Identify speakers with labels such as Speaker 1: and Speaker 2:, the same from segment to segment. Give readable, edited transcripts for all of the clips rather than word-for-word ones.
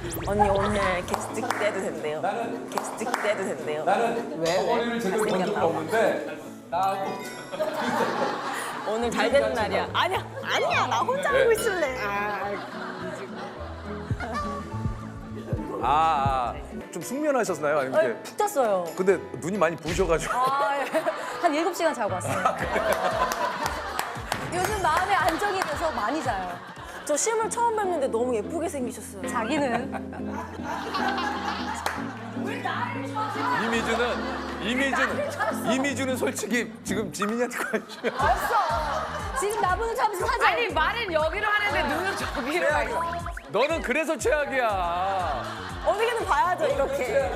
Speaker 1: 언니 오늘 게스트 기대해도 된대요. 게스트 기대해도 된대요.
Speaker 2: 나는 머리를 제대로 본 적은 없는데 나하고
Speaker 1: 오늘 잘 되는 날이야. 아니야 나 혼자 알고 있을래.
Speaker 2: 좀 숙면하셨나요? 아니면 이렇게?
Speaker 3: 푹 잤어요.
Speaker 2: 근데 눈이 많이 부으셔가지고.
Speaker 3: 한 7시간 자고 왔어요. 요즘 마음의 안정이 돼서 많이 자요.
Speaker 1: 저 실물 처음 뵙는데 너무 예쁘게 생기셨어요.
Speaker 3: 자기는
Speaker 2: 이미주는 솔직히 지금 지민이한테 관심이 없어.
Speaker 3: 없어. 지금 나보는 잠시 사자.
Speaker 4: 아니 말은 여기로 하는데 눈은 저기로 가 있어.
Speaker 2: 너는 그래서 최악이야.
Speaker 1: 어떻게든 봐야죠 이렇게.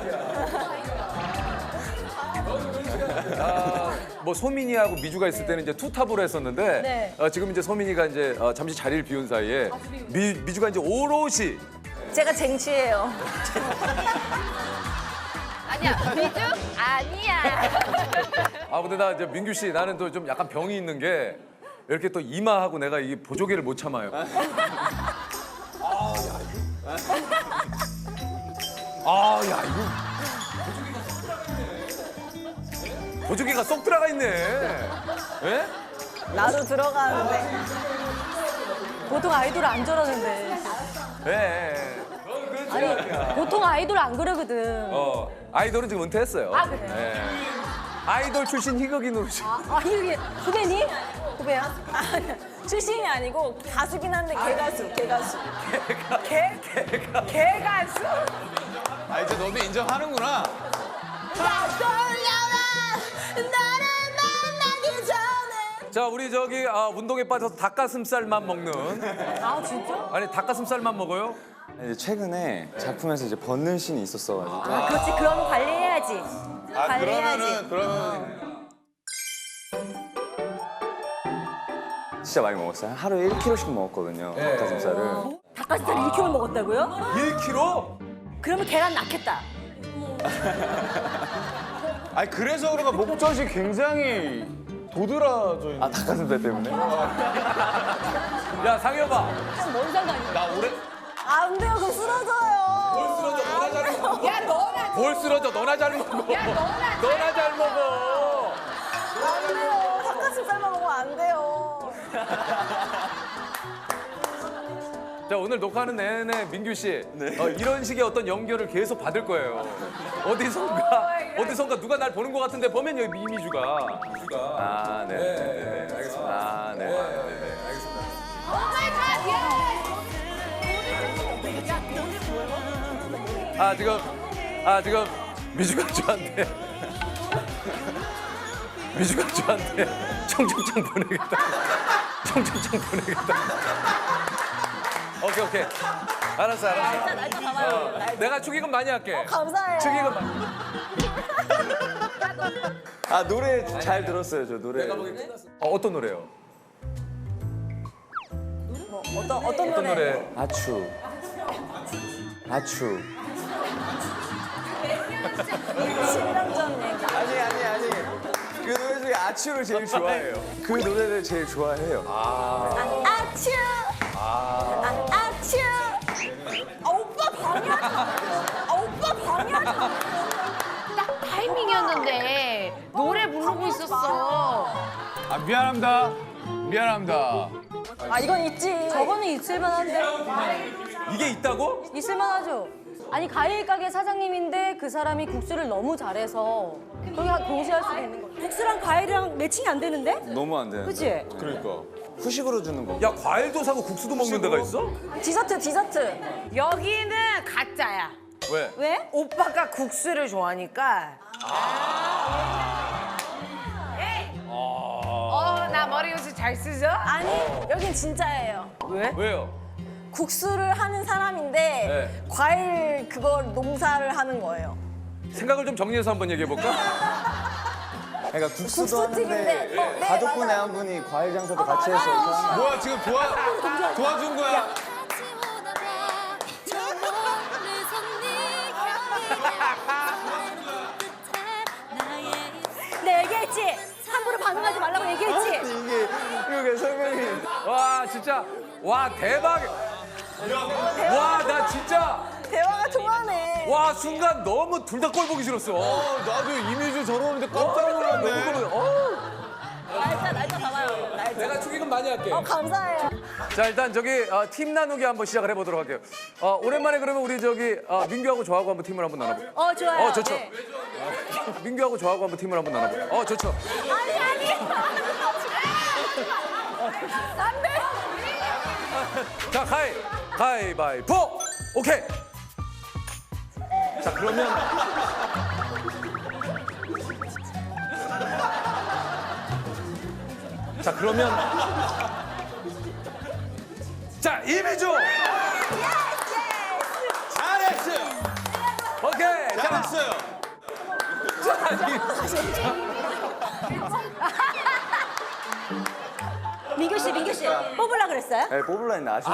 Speaker 2: 뭐 소민이하고 미주가 있을 때는 이제 투탑으로 했었는데
Speaker 3: 네.
Speaker 2: 지금 이제 소민이가 이제 잠시 자리를 비운 사이에 미주가 이제 오롯이
Speaker 1: 제가 쟁취해요.
Speaker 4: 아니야 미주? 아니야.
Speaker 2: 근데 나 이제 민규 씨 나는 또 좀 약간 병이 있는 게 이렇게 또 이마하고 내가 이 보조개를 못 참아요. 야 이거 보조개가 쏙 들어가 있네. 예?
Speaker 1: 나도 들어가는데.
Speaker 3: 보통 아이돌 안 저러는데.
Speaker 2: 예.
Speaker 3: 아니 보통 아이돌 안 그러거든.
Speaker 2: 아이돌은 지금 은퇴했어요.
Speaker 3: 아, 그래?
Speaker 2: 예. 아이돌 출신 희극인으로 지금.
Speaker 3: 이게 후배니? 후배야?
Speaker 1: 아니야. 출신이 아니고 가수긴 한데 개가수. 개가수.
Speaker 5: 이제 너도 인정하는구나.
Speaker 2: 자, 우리 저기 운동에 빠져서 닭가슴살만 먹는.
Speaker 3: 아 진짜?
Speaker 2: 아니 닭가슴살만 먹어요?
Speaker 6: 이제 최근에 작품에서 이제 벗는 씬이 있었어가지고
Speaker 1: 그렇지 그럼 관리해야지. 관리해야지.
Speaker 5: 그러면
Speaker 6: 진짜 많이 먹었어요. 하루에 1kg씩 먹었거든요. 닭가슴살을.
Speaker 3: 닭가슴살 1kg 먹었다고요?
Speaker 2: 1kg?
Speaker 3: 그러면 계란 낳겠다.
Speaker 5: 그래서 그런가 목젖이 굉장히 도드라져 있는.
Speaker 6: 닭가슴살 때문에?
Speaker 2: 야, 상여봐.
Speaker 3: 뭔 상관이야?
Speaker 5: 나 올해
Speaker 1: 안 돼요 그럼 쓰러져요.
Speaker 2: 뭘 쓰러져? 너나 잘 먹어.
Speaker 4: 야 너나
Speaker 2: 뭘 쓰러져? 너나 잘 먹어. 너나 잘 먹어.
Speaker 1: 안 돼요. 닭가슴살만 먹으면 안 돼요.
Speaker 2: 자, 오늘 녹화하는 내내 민규 씨 이런 식의 어떤 연결을 계속 받을 거예요. 어디선가 누가 날 보는 것 같은데 보면 여기 이미주가.
Speaker 6: 네.
Speaker 2: 알겠습니다.
Speaker 6: 네.
Speaker 2: 알겠습니다. 지금 미주가 저한테 청첩장 보내겠다. 오케이. 알았어.
Speaker 1: 날짜 봐봐요.
Speaker 2: 내가 축의금 많이 할게.
Speaker 1: 감사해요.
Speaker 2: 축의금 많이.
Speaker 6: 노래 잘 들었어요, 저 노래.
Speaker 2: 어떤 노래요?
Speaker 1: 어떤 노래?
Speaker 6: 아추.
Speaker 1: 신랑전 얘기.
Speaker 6: 아니. 그 노래 중에 아추를 제일 좋아해요. 그 노래를 제일 좋아해요.
Speaker 1: 아츄. 아츄. 오빠 방해하지 마.
Speaker 4: 딱 타이밍이었는데 노래 부르고 있었어.
Speaker 5: 미안합니다.
Speaker 1: 이건 있지.
Speaker 3: 저거는 있을만한데?
Speaker 2: 이게 있다고?
Speaker 3: 있을만하죠. 아니 과일 가게 사장님인데 그 사람이 국수를 너무 잘해서 거기 동시에 할 수도 있는 거. 국수랑 과일이랑 매칭이 안 되는데?
Speaker 6: 너무 안 되는데.
Speaker 3: 그치?
Speaker 5: 그러니까.
Speaker 6: 후식으로 주는 거.
Speaker 2: 야, 과일도 사고 국수도 먹는 데가 있어?
Speaker 1: 디저트.
Speaker 4: 여기는 가짜야.
Speaker 2: 왜?
Speaker 3: 왜?
Speaker 4: 오빠가 국수를 좋아하니까. 나 머리 요새 잘 쓰죠?
Speaker 1: 아니 여긴 진짜예요.
Speaker 2: 왜요?
Speaker 1: 국수를 하는 사람인데 과일 그걸 농사를 하는 거예요.
Speaker 2: 생각을 좀 정리해서 한번 얘기해 볼까?
Speaker 6: 그러니까 국수도
Speaker 1: 국수집인데,
Speaker 6: 하는데
Speaker 1: 네,
Speaker 6: 가족분의
Speaker 1: 맞아요.
Speaker 6: 한 분이 과일 장사도 같이 해서
Speaker 5: 뭐야 지금 도와준 거야?
Speaker 3: 내 얘기했지? 함부로 반응하지 말라고 얘기했지?
Speaker 6: 이게 설명이
Speaker 2: 와, 진짜. 와, 대박. 와, 나 진짜.
Speaker 1: 대박.
Speaker 2: 와 순간 너무 둘 다 꼴 보기 싫었어.
Speaker 5: 나도 이미지 저러는데 깜짝 놀랐네.
Speaker 1: 날짜 잡아요. 날짜.
Speaker 2: 내가 축의금 많이 할게.
Speaker 1: 감사해요.
Speaker 2: 자 일단 저기 팀 나누기 한번 시작을 해보도록 할게요. 오랜만에 그러면 우리 저기 민규하고 저하고 한번 팀을 한번 나눠볼게요.
Speaker 3: 좋아요.
Speaker 2: 좋죠.
Speaker 3: 네.
Speaker 2: 민규하고 저하고 한번 팀을 한번 나눠볼게요. 좋죠.
Speaker 1: 아니. 안 돼.
Speaker 2: 자 가위바위보. 오케이. 자 그러면 자 이미주.
Speaker 5: 잘했어요.
Speaker 2: 오케이. 자,
Speaker 5: 잘했어요.
Speaker 3: 민규 씨 뽑으려 그랬어요?
Speaker 6: 네, 뽑으려 했는데 아쉽네.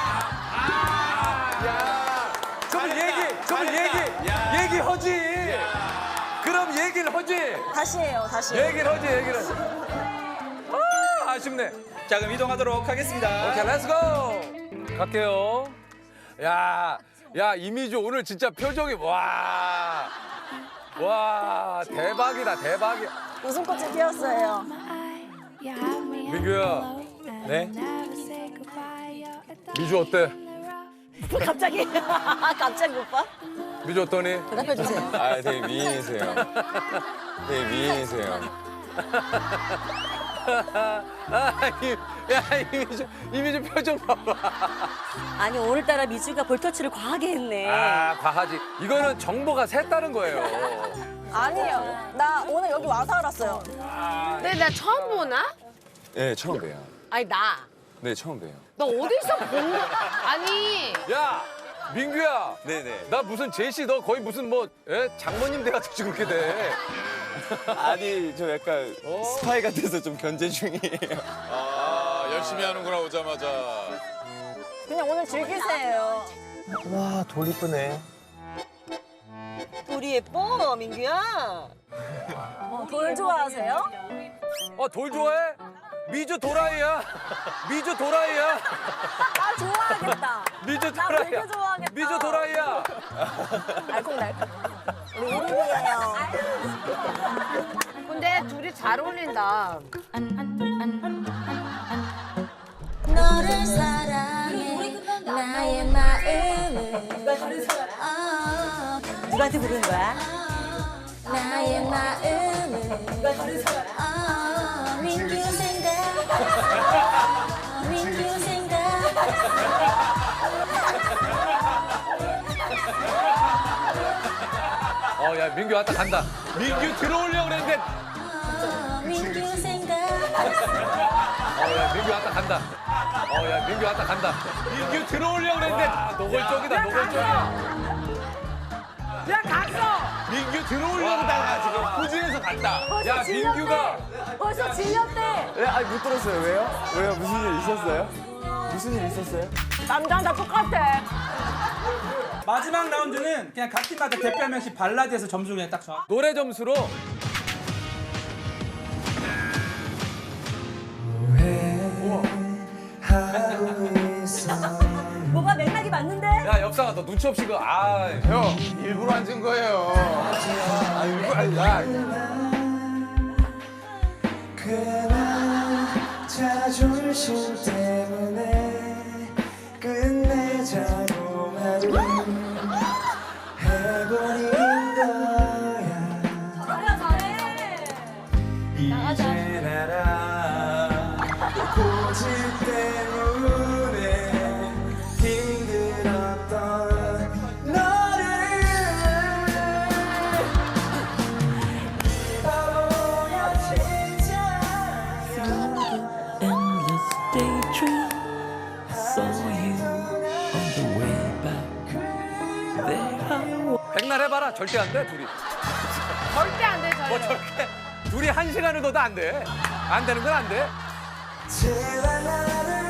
Speaker 2: 좀 얘기하지. 그럼 얘기를 하지.
Speaker 1: 다시 해요.
Speaker 2: 얘기를 하지. 아쉽네.
Speaker 7: 자 그럼 이동하도록 하겠습니다.
Speaker 2: 오케이, 렛츠고. 갈게요. 야 이미주 오늘 진짜 표정이 와 대박이다.
Speaker 1: 웃음꽃이 피었어요.
Speaker 2: 민규야,
Speaker 7: 네.
Speaker 2: 미주 어때?
Speaker 3: 갑자기 오빠?
Speaker 2: 미주 어떠니?
Speaker 3: 대답해 주세요.
Speaker 5: 아, 되게 미인이세요. 되게 미인이세요.
Speaker 2: 이미주 표정 봐봐.
Speaker 3: 아니 오늘따라 미주가 볼터치를 과하게 했네.
Speaker 2: 과하지. 이거는 정보가 샜다는 거예요.
Speaker 1: 아니에요. 나 오늘 여기 와서 알았어요.
Speaker 4: 근데 나 처음 보나?
Speaker 5: 네, 처음 봬요.
Speaker 4: 아니 나.
Speaker 5: 네, 처음 봬요.
Speaker 4: 너 어디서 본 거? 아니.
Speaker 2: 야, 민규야.
Speaker 5: 네네.
Speaker 2: 나 무슨 제시 너 거의 무슨 장모님 돼가지고 그렇게 돼.
Speaker 5: 아니, 저 약간 스파이 같아서 좀 견제 중이에요.
Speaker 8: 열심히 하는구나 오자마자.
Speaker 1: 그냥 오늘 즐기세요.
Speaker 6: 와, 돌 이쁘네.
Speaker 3: 우리 예뻐 민규야.
Speaker 1: 돌 좋아하세요?
Speaker 2: 돌 좋아해? 미주 도라이야.
Speaker 1: 아 좋아하겠다.
Speaker 2: 미주
Speaker 1: 나
Speaker 2: 도라이야.
Speaker 1: 되게 좋아하겠다.
Speaker 2: 미주 도라이야.
Speaker 1: 알콩달콩. 우리 이름이에요.
Speaker 4: 근데 둘이 잘 어울린다.
Speaker 1: 너를 사랑해 나의 마음은
Speaker 3: 누구한테 부르는 거야?
Speaker 1: 나의 마음은 민규 생각
Speaker 2: 야 민규 왔다 간다. 민규 들어오려고 그랬는데.
Speaker 1: 민규 생각
Speaker 2: 야 민규 왔다 간다. 야 민규 왔다 간다. 민규 들어오려고 그랬는데. 노골적이다.
Speaker 4: 야 갔어.
Speaker 2: 민규 들어오려고다가 지금 후진해서 갔다. 야 민규가.
Speaker 3: 벌써 질렸대.
Speaker 6: 네, 아니 못 들었어요. 왜요? 무슨 일 있었어요? 무슨 일 있었어요?
Speaker 1: 남자랑 다 똑같아.
Speaker 7: 마지막 라운드는 그냥 각 팀마다 대표 한 명씩 발라드에서 점수를 그냥 딱 정하.
Speaker 2: 노래 점수로.
Speaker 3: 뭐가 맥락이 맞는데?
Speaker 2: 야 엽상아 너 눈치 없이
Speaker 5: 형, 일부러 앉은 거예요.
Speaker 6: 자존심 때문에 끝내자고 하루 해버린 거야. 이젠 알아 고집 때문에 힘들었던 너를 바보야 진짜.
Speaker 9: endless daydream. Saw you on the way back. There I was.
Speaker 2: 백날 해봐라. 절대 안 돼 둘이.
Speaker 4: 절대 안 돼, 저희.
Speaker 2: 둘이 1시간을 둬도 안 돼. 안 되는 건 안 돼.
Speaker 6: 제발 나를